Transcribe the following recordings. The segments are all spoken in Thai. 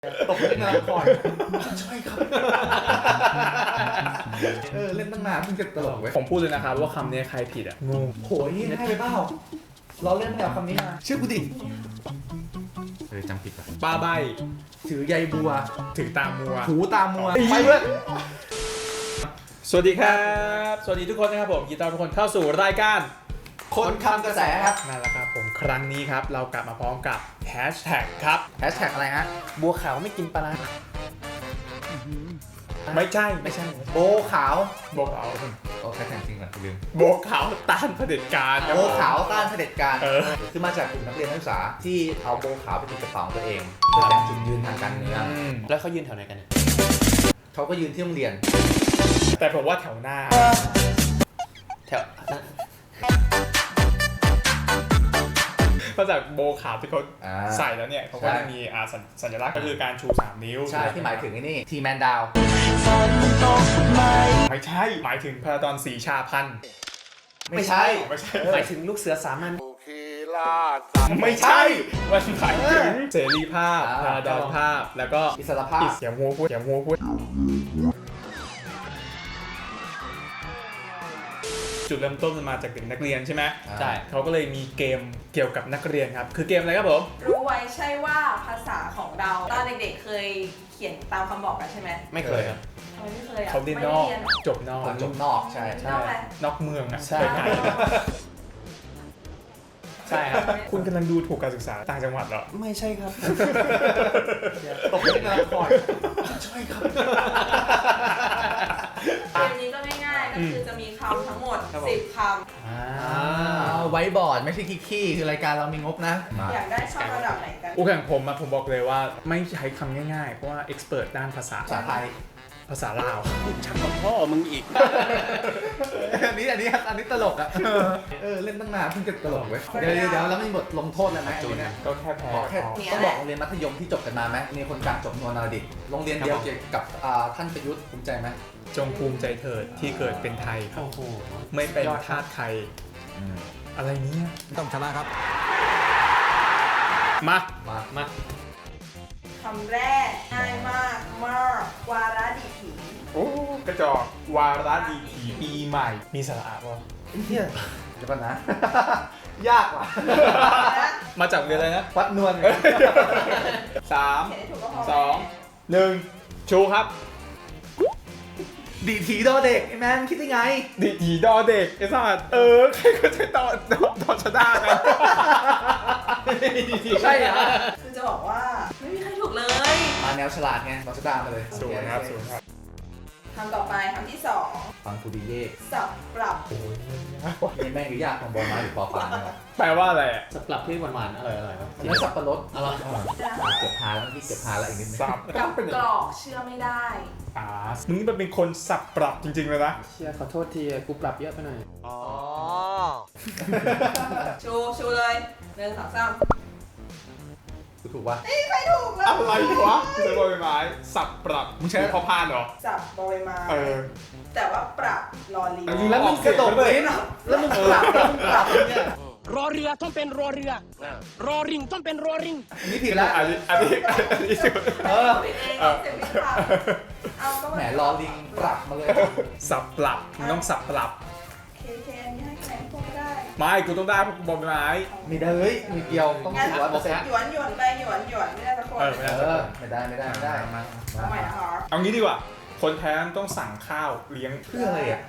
ตกเล่นนานก่อนใช่ครับเล่นตั้งนานเพิ่งจะตลกเว้ยผมพูดเลยนะครับว่าคำนี้ใครผิดอ่ะงงโหยให้ไปเปล่าเราเล่นแนวคำนี้มาชื่อกูดิจำผิดป่ะป้าใบถือใยบัวถึงตามัวหูตามัวไปเพื่อนสวัสดีครับ สวัสดีทุกคนนะครับผมยินดีต้อนรับทุกคนเข้าสู่รายการคนคำกระแสครับนั่นแหละครับผมครั้งนี้ครับเรากลับมาพร้อมกับแฮชแท็กครับแฮชแท็กอะไรฮะบัวขาวไม่กินปลาร้าไม่ใช่โบขาวโบขาวโอ้แฮชแท็กจริงเหรอลืมโบขาวต้านเผด็จการครับโบขาวต้านเผด็จการคือมาจากกลุ่มนักเรียนนักศึกษาที่เอาโบขาวไปติดกระเป๋าของตัวเองเพื่อแสดงจุดยืนทางการเมืองแล้วเขายืนแถวไหนกันเนี่ยเขาก็ยืนที่โรงเรียนแต่ผมว่าแถวหน้าแถวเพราะจากโบขาวที่เขาอ่าใส่แล้วเนี่ยเขาก็ใช่จะมีสัญลักษณ์ก็คือการชู 3 นิ้วใช่ที่หมายถึงไอ้นี่ทีแมนดาวไม่ใช่หมายถึงพระดอนศรีชาพันธ์ไม่ใช่ไม่ใช่หมายถึงลูกเสือสามัญไม่ใช่มันหมายถึงเสรีภาพอ่าพระดอนภาพแล้วก็อิสรภาพเสียงหัวพูดจุดเริ่มต้นมันมาจากเด็กนักเรียนใช่ไหมใช่เขาก็เลยมีเกมเกี่ยวกับนักเรียนครับคือเกมอะไรครับผมรู้ไว้ใช่ว่าภาษาของเราตอนเด็กๆเคยเขียนตามคำบอกกันใช่ไหมไม่เคยครับทำไมไม่เคยอ่ะเขาเรียนไม่นได้อกเรียนจบนอกคนจบนอกใช่นอกอะไรนอกเมืองอ่ะใช่ไกลใช่ครับๆคุณกำลังดูถูกการศึกษาต่างจังหวัดเหรอไม่ใช่ครับตกเล่นนานก่อนใช่ครับเกมนี้ก็ง่ายๆก็คือจะมีคำทั้งหมดครับผม 10 คไว้บอร์ดไม่ใช่ขี้คือรายการเรามีงบนะำอยากได้ช่องระดับไหนกันอู้แข่งผมอะผมบอกเลยว่าไม่ใช้คำง่ายๆ เพราะว่าเอ็กซ์เพรสด้านภาษาภาษาไทยภาษาลาวชักกับพ่อมึงอีกอันนี้ตลกอ่ะเล่นตั้งนานเพิ่งจะตลกเว้ยเดี๋ยวแล้วมีบทลงโทษอะไรไหมจูนเนี่ยก็แค่แพ้บอกแค่ต้องบอกโรงเรียนมัธยมที่จบกันมาไหมมีคนกลางจบนวลนรดิตโรงเรียนเดียวเกี่ยวกับท่านประยุทธ์ภูมิใจไหมจงภูมิใจเถิดที่เกิดเป็นไทยครับโอ้โหไม่เป็นทาสใครอะไรเนี้ยต้องชนะครับมามาคำแรกง่ายมากมากวาระดิถีโอ้กระจอกวาระดีถีปีใหม่ มีสาระป่ะเฮียเดี๋ยวก่อนนะ ยากว่ะมาจากเรียนอะไรนะวัดนวลสามเขียนให้ถูกก็พอสองหนึ่งชูครับดีถีดอเด็กไอ้แมนคิดได้ไงดีถีดอเด็กไอ้สัสใครก็จะตอนชนะกันใช่เหรอคือจะบอกว่าไม่มีใครถูกเลยมาแนวฉลาดไงเราจะด่ามาเลยศูนย์ครับศูนย์ครับคำต่อไปคำที่ฟังคูดีเย่ 2 สับปรับนี่แม่งหรือยากของบอลมาหรือปอปานเนี่ยแปลว่าอะไรอ่ะสับปรับที่หวานๆอร่อยๆครับอันนั้นสับปะรดอร่อยเก็บพาแล้วที่เก็บพาแล้วอีกนิดนึงสับกับกรอกเชื่อไม่ได้มึงนี่มันเป็นคนสับปรับจริงๆเลยนะเชียขอโทษทีกูปรับเยอะไปหน่อยชูเลย1 2 3 กูถูกปะไม่มีใครถูกเลยอะไรวะใช้บอยไม้สับปรับมึงใช้พอพานเหรอสับบอใบไม้ แต่ว่าปรับลอลิงแล้วมึงกระโดดเลยนะแล้วมึงปรับเนี่ยรอเรือต้องเป็นรอเรือ รอริงต้องเป็นรอริงนี่ผิดแล้วอันนี้สุดผิดเองเสียงผิดปรับเอาก็แหมรอลิงปรับมาเลยสับปรับมึงต้องสับปรับเคอันนี้ให้คะแนนพวกไม่ได้ไม่กูต้องได้เพราะกูบอยไม้ไม่ได้เฮ้ยมีเกี่ยวต้องงั้น 10% หยวนไปหยวนไม่ได้สักคนไม่ได้ไม่ได้เอาใหม่นะคะเอางี้ดีกว่า คนแพ้ต้องสั่งข้าวเลี้ยงเพื่ออะไรอ่ะ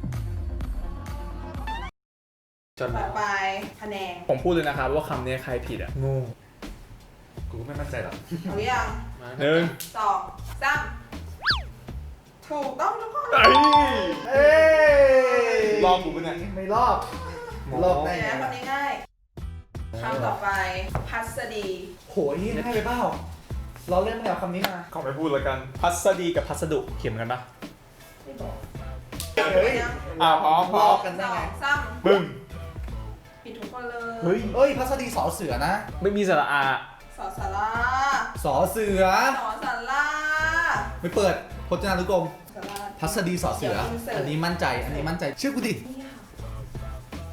จนต่อไปคะแนนผมพูดเลยนะครับว่าคำนี้ใครผิดอ่ะโง่กูไม่มั่นใจหรอกเอาหรือยังหนึ่ง 2 3ถูกต้องทุกคนเอ้ยรอบกูเป็นไงไม่รอบรอบได้เดี๋ยวไงนะคนง่ายคำต่อไปพัสดีโหยให้ไปเปล่าเราเล่นแนวคำนี้มาขอไม่พูดแล้วกัน พัสดีกับพัสดุเขียนกันปะไม่บอกเฮ้ยพร้อมลอกกันได้ไง 2 3 ปึ้งผิดทุกคนเลยเฮ้ยพัสดีสอเสือนะไม่มีสระอาสอสาราสอเสือสอสาราไม่เปิดพจนานุกรมสาราพัสดีสอเสือ อันนี้มั่นใจชื่อกูดินี่ค่ะ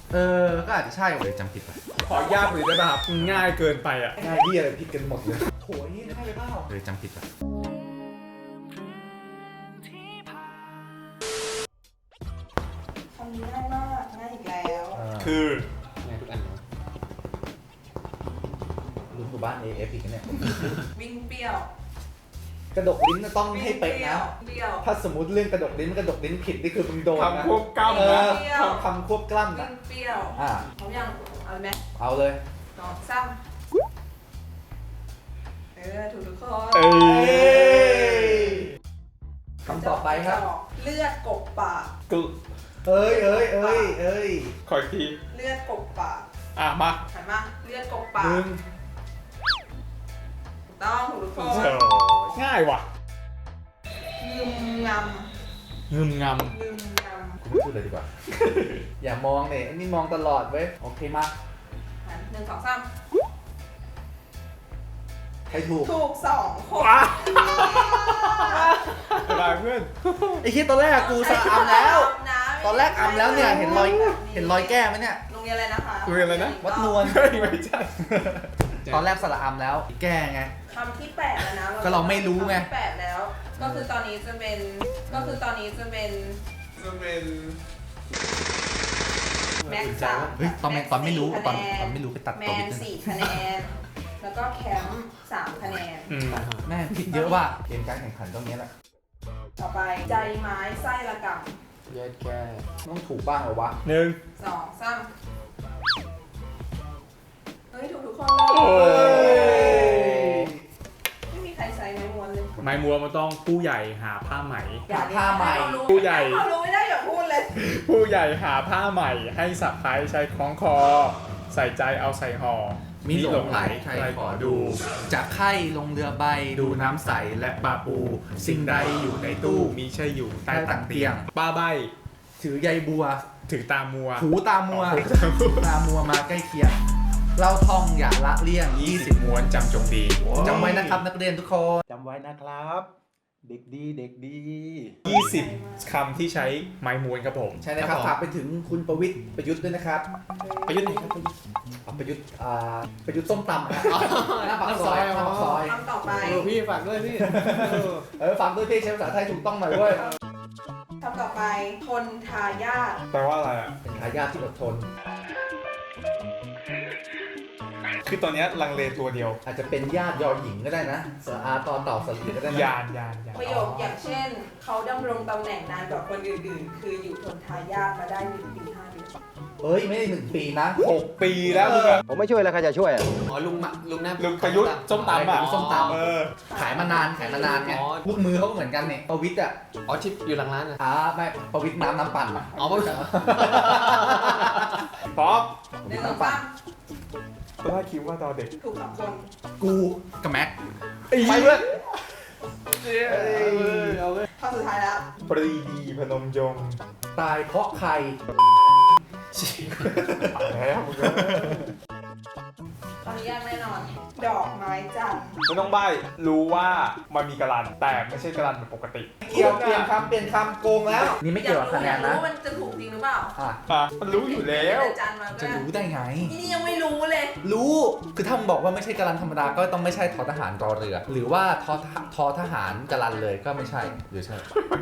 ก็อาจจะใช่เว้ยจำผิดไปขอยากหรือได้ป่ะครับง่ายเกินไปอ่ะง่ายที่อะไรผิดกันหมดเลย โถไอ้นี่ให้ไปเปล่าจำผิดอ่ะคำนี้ง่ายมากง่ายอีกแล้วคือไงทุกอันเนาะรุ่นหมู่บ้าน AF อีกเนี่ยวิ่งเปรี้ยวกระดกลิ้นต้องให้เป๊ะนะเปรี้ยวถ้าสมมติเรื่องกระดกลิ้นมันกระดกลิ้นผิดนี่คือมึงโดนนะคำควบกล้ำเอนะอคำควบกล้ำวิ่นะงเปรี้ยวอ่าเขายังเอาไหมเอาเลยสองสามถูกทุกคนเอ้ยคำต่อไปครับเลือดกบปากกูเอ้ยขออีกทีเลือดกบปากมาหันมาเลือดกบปากมึงถูกต้องถูกทุกคนง่ายว่ะงึมงงึมงำงึมงกูไม่พูดเลยดีกว่า อย่ามองเนี่ยอันนี้มองตลอดเว้ย โอเคมาำหันหนึ่งสองสามใครถูกถูกสองคนำสบายเพื่อนไอ้คิดตอนแรกกูสะอำแล้วนะตอนแรกอำแล้วเนี่ย เห็นรอยแก้ไหมเนี่ยโรงเรียนอะไรนะคะโรงเรียนอะไรนะวัดนวลเฮ้ยไม่ใช่ตอนแรกสระอำแล้ว แก้ไงคำที่แปดแล้วนะก็เราไม่รู้ไงคำที่แปดแล้ว ก็คือตอนนี้จะเป็นแม็กซ์สามเฮ้ยตอนไม่รู้ 4 ตอนคะแไม่รู้ไปตัดแมตัวนบิดนึง 4 คะแนน แล้วก็แคมป์3 คะแนนแม่ผิดเยอะว่ะเกมการแข่งขันตรงนี้แหละต่อไปใจไม้ไส้ระกแยกแก้ต้องถูกบ้างเหรอวะหนึ่งำ2 3เฮ้ยถูกทุกคนโอ้เลยยไม่มีใครใช้ไม้ม้วนเลยไม้มัวมันต้องผู้ใหญ่หาผ้าไหมผ้าไหมผู้ใหญ่เขารู้ไม่ได้อย่าพูดเลยผู้ใหญ่หาผ้าใหม่ให้สะพายใช้คล้องคอ ใส่ใจเอาใส่ห่อมีหลงไหลใครขอดูจะไข่ลงเรือใบดูน้ำใสและปลาปู สิ่งใดอยู่ในตู้มีใช่อยู่ใต้ใต้ตัตักกเตีเตียยงงป้าใบถือใยบัวถือตามัวถูตามัวถูตามัวตามัวมาใกล้เคียงเราท่องอย่าละเลี่ยง 20 ม้วนจำจงดีจำไว้นะครับนักเรียนทุกคนจำไว้นะครับ เด็กดีเด็กดี 20 คำที่ใช้ไม้ม้วนครับผมใช่นะครับฝากไปถึงคุณประวิทย์ประยุทธ์ด้วยนะครับประยุทธ์ไหนครับประยุทธ์ประยุทธ์ส้มตำนะหน้าปากซอยหน้าปากซอยคำต่อไปพี่ฝากด้วยพี่ฝากด้วยพี่ใช้ภาษาไทยถูกต้องหน่อยเว้ยคำต่อไปทนทายาทแปลว่าอะไรอ่ะเป็นทายาทที่อดทนคือตอนนี้ลังเลตัวเดียวอาจจะเป็นญาติยอหญิงก็ได้นะสระอาต่อเต่าสลีก็ได้นะยานประโยคอย่างเช่น เขาดำรงตำแหน่งนานกว่าคนอื่นๆ คืออยู่ทนทายาทมาได้1 ปี 5 เดือนเอ้ยไม่ได้1 ปีนะ 6 ปีแล้วมึงอะผมไม่ช่วยแล้วใครจะช่วยอ่ะอ๋อลุงนะลุงประยุทธ์ส้มตำอ่ะส้มตำเออขายมานานไงลูกมือเขาก็เหมือนกันเนี่ยประวิทย์อ่ะอ๋อที่อยู่หลังร้านอ่ะไม่ประวิทย์น้ำปั่นอะอ๋อไม่ป๊อปหนึ่งสองสามตอนแรกคิดว่าตอนเด็กถูก2 คนกูกับแม็กไปเพื่อนข้อสุดท้ายแล้วปรีดีพนมยงค์ตายเพราะใครแล้วมึงก็ตอนนี้ยากแน่นอน ดอกไม้จันทร์ไม่ต้องใบรู้ว่ามันมีกระลันแต่ไม่ใช่กระลันแบบปกติเกี่ยวเปลี่ยนคำโกงแล้ว นี่ไม่เกี่ยวกับคะแนนอยากรู้นะว่ามันจะถูกจริงหรือเปล่ามันรู้อยู่แล้วจันทร์มาจะก็รู้ได้ไงนี่ยังไม่รู้เลยรู้ คือถ้ามึงบอกว่าไม่ใช่กาลันธรรมดา ก็ต้องไม่ใช่ทอทหารรอเรือ หรือว่าทอทหารกาลันเลยก็ไม่ใช่ หรือใช่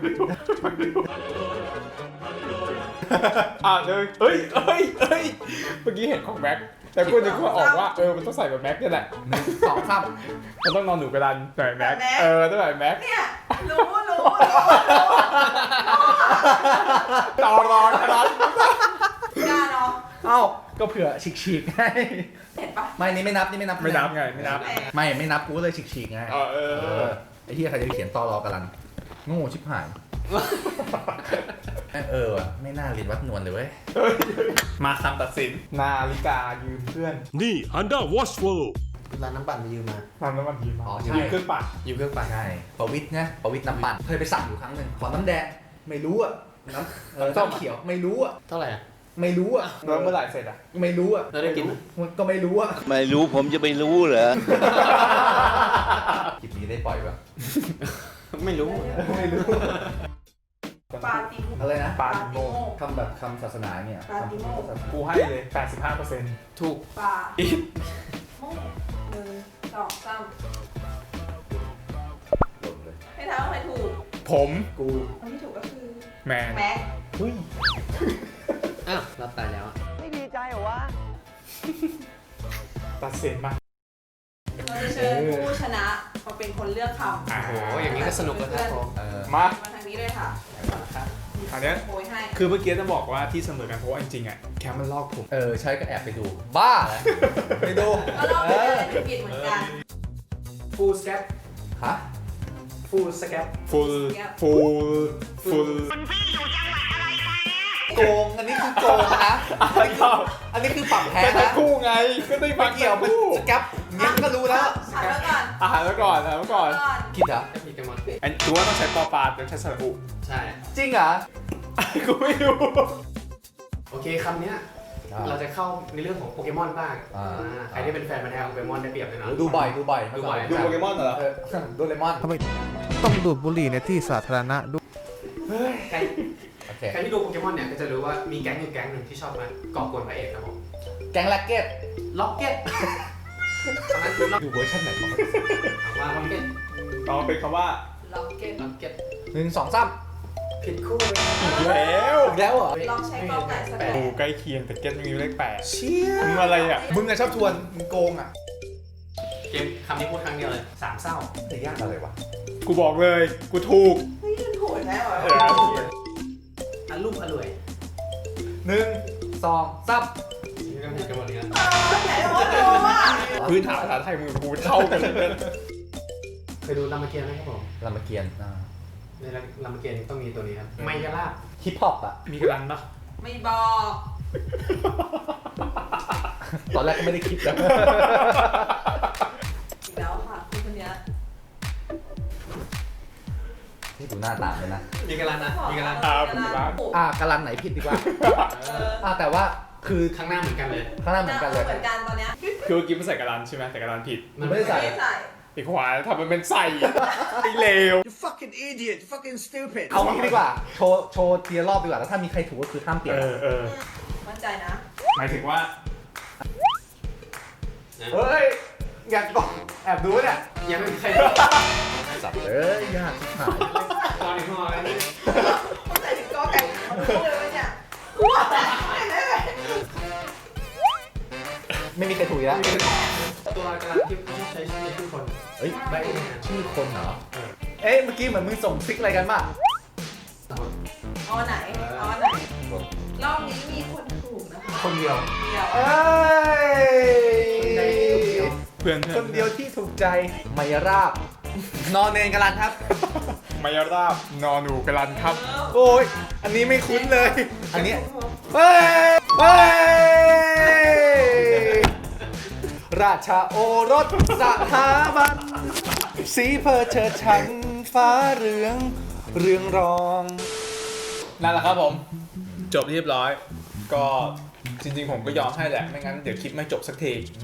เลยเฮ้ยเมื่อกี้เห็นของแม็กแต่กูนึกว่าออกว่ามันต้องใส่แบบแม็กนี่แหละ 1 2 3 มันต้องนอนหนูกระดันหน่อยแม็กต้องหน่อยแม็กเนี่ย รู้ต่อรอกระดันกล้าเนาะเอ้า ก็เผื่อฉีกๆไงเห็นปะไม่นี่ไม่นับไม่นับไงไม่นับไม่นับกูเลยฉีกๆไง ไอ้ที่ใครจะเขียนตอรอกาลันโง่ชิบหาย ว่ะไม่น่าเรียนวัดนวลเลยเว้ยมาคำตัดสินนาฬิกายืมเพื่อนนี่ Honda Watch World ร้านน้ำปั่นไปยืมมาทำแล้วมันยืมอ๋อใช่ยืมเครื่องปั่นยืมเครื่องปั่นใช่ประวิทย์นะประวิทย์น้ำปั่นเคยไปสั่งอยู่ครั้งหนึ่งขอน้ำแดงไม่รู้อ่ะน้ำเขียวไม่รู้อ่ะเท่าไหร่อ่ะไม่รู้อ่ะแล้วเมื่อไหร่เสร็จอ่ะไม่รู้อ่ะแล้วได้กินไหมมันก็ไม่รู้อ่ะไม่รู้ผมจะไปรู้เหรอคลิปนี้ได้ปล่อยปะไม่รู้ไม่รู้ปาติโมอะไรนะปาติโมคำแบบคำศาสนาเนี่ยปาติโมคำศาสนากูให้เลย 85% ถูกปาโม1 2 3 ผมกูคนที่ถูกก็คือแมนแม็กอ้าวรับตายแล้วไม่ดีใจเหรอวะตัดสินมาเราจะเชิญผู้ชนะมาเป็นคนเลือกคำอ่ะโอ้โหอย่างนี้ก็สนุกแล้วครับผมมามาทางนี้เลยค่ะอันเนี้ยโพยให้คือเมื่อกี้จะบอกว่าที่เสมอกันเพราะว่าจริงๆอ่ะแคมมันลอกผมใช่ก็แอบไปดู บ้าเหรอไปดูก็ลองไปเลยผิดเหมือนกันฟูลสแคปฮะฟูลสแคป full โกง อันนี้คือโกงนะ อันนี้คือปรับแพ้เป็นทั้นะงคู่ไงก็ได้ไม่ฟังเกี่ยวมันสแกปเงี้ยก็รู้แล้วถามแล้วก่อนอ่านแล้วก่อนแล้วก่อนคิดเหรอไม่ผิดกันหมดอันตัวต้องใช้ปอปลาแต่ใช้สระอุใช่จริงเหรอกูไม่รู้โอเคคำเนี้ยเราจะเข้าในเรื่องของโปเกมอนบ้างใครที่เป็นแฟนมันธุ์แท้ของโปเกมอนได้เปรียบเลยนะดูบ่อยดูบ่อยดูบ่อยดูโปเกมอนเหรอดูเลมอนทำไมต้องดูดบุหรี่ในที่สาธารณะด้วยใครโอเคใครที่ดูโปเกมอนเนี่ยก็จะรู้ว่ามีแก๊งอยู่แก๊งหนึ่งที่ชอบมาก่อกวนพระเอกครับผมแก๊งแล็กเก็ตล็อกเก็ตตอนนั้นคือล็อกอยู่เวอร์ชันไหนของมันว่าล็อกเก็ตต่อเป็นคำว่าล็อกเก็ตล็อกเก็ต 1 2 3 ผิดคู่เลยอีกแล้วอีกแล้วเหรอลองใช้กอไก่สแตดูนใกล้เคียงแต่เก็ตมีเลขแปดเชี่ยมึงอะไรอ่ะมึงอะชอบทวนมึงโกงอ่ะเกมคำนี้พูดครั้งเดียวเลยสามเศร้าแต่ยากอะไรวะกูบอกเลยกูถูกเฮ้ยมันโหดแน่วะอลุ่มอร่วย 1 2 3 นี่ก็ผิดกันหมดเลยนะไหนวะโอ้วะพื้นฐานภาษาไทยมึงกูเท่ากันเลยเคยดูรามเกียรติไหมครับผมรามเกียรติในรามเกียรติต้องมีตัวนี้ครับไมยาลาบฮิปฮอปอ่ะมีกระดันปะไม่บอกตอนแรกก็ไม่ได้คิดนะอีกแล้วค่ะคุณคนเนี้ยนี่ดูหน้าตามเลยนะมีกระลานนะมีกระลานผมรักกาลันไหนผิดดีกว่า แต่ว่าคือข้างหน้าเหมือนกันเลยข้างหน้าเหมือนกันเลยเหมือนกันตอนเนี้ยคือเมื่อกี้มันใส่กระดันใช่ไหมแต่กระดันผิดมันไม่ได้ใส่ไม่ใส่ไอ้ขวาทำมันเป็นใส่ไอ้เลว You fucking idiot You fucking stupid เอางี้ดีกว่า โชว์ทีละรอบดีกว่า แล้วถ้ามีใครถูกก็คือห้ามเปลี่ยนมั่นใจนะหมายถึงว่าเฮ้ย อยากบอกแอบดูเนี่ยยังไม่มีใครสับเอ้ยยากชิบหายตอนนี้พอแล้วนี่มั่นใจถึงกอไก่เขารู้เลยวะเนี่ยกูว่าแต่ไม่ได้เลยไม่มีใครถูกอีกแล้วตัวกระลานที่ใช้ชื่อคนเฮ้ยใบเองนะชื่อคนเหรอ เอ้ย เมื่อกี้เหมือนมึงส่งซิกอะไรกันบ้างเอาไหนเอาไหน รอบนี้มีคนถูกนะคะคนเดียวเดียวเอ้ยเพื่อนคนเดียวที่ถูกใจไมยราบ นอนเนนกันลันครับมายาราบนอหนูกระดันครับโอ้ย อันนี้ไม่คุ้นเลย อันนี้ เฮ้ย เฮ้ย ราชาโอรสสถาบัน สีเพอเชิดชันฟ้าเรือง เรืองรองนั่นแหละครับผม จบเรียบร้อย ก็จริงๆผมก็ยอมให้แหละ ไม่งั้นเดี๋ยวคลิปไม่จบสักที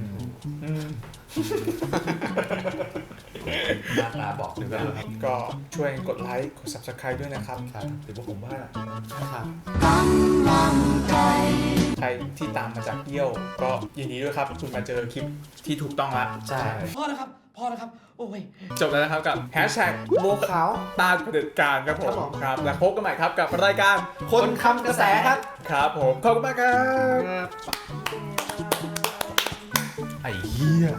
หน้าตาบอกถึงกันก็ช่วยกดไลค์ กด subscribe ด้วยนะครับหรือว่าผมว่าครับใครที่ตามมาจากเยี่ยว ก็ยินดีด้วยครับ คุณมาเจอคลิปที่ถูกต้องแล้วใช่พอแล้วครับ พอแล้วครับ โอ้ยจบแล้วนะครับกับแฮชแท็กโบขาวต้านเผด็จการครับผมครับ แล้วพบกันใหม่ครับกับรายการคนคำกระแสครับครับผม ขอบคุณมากครับครับ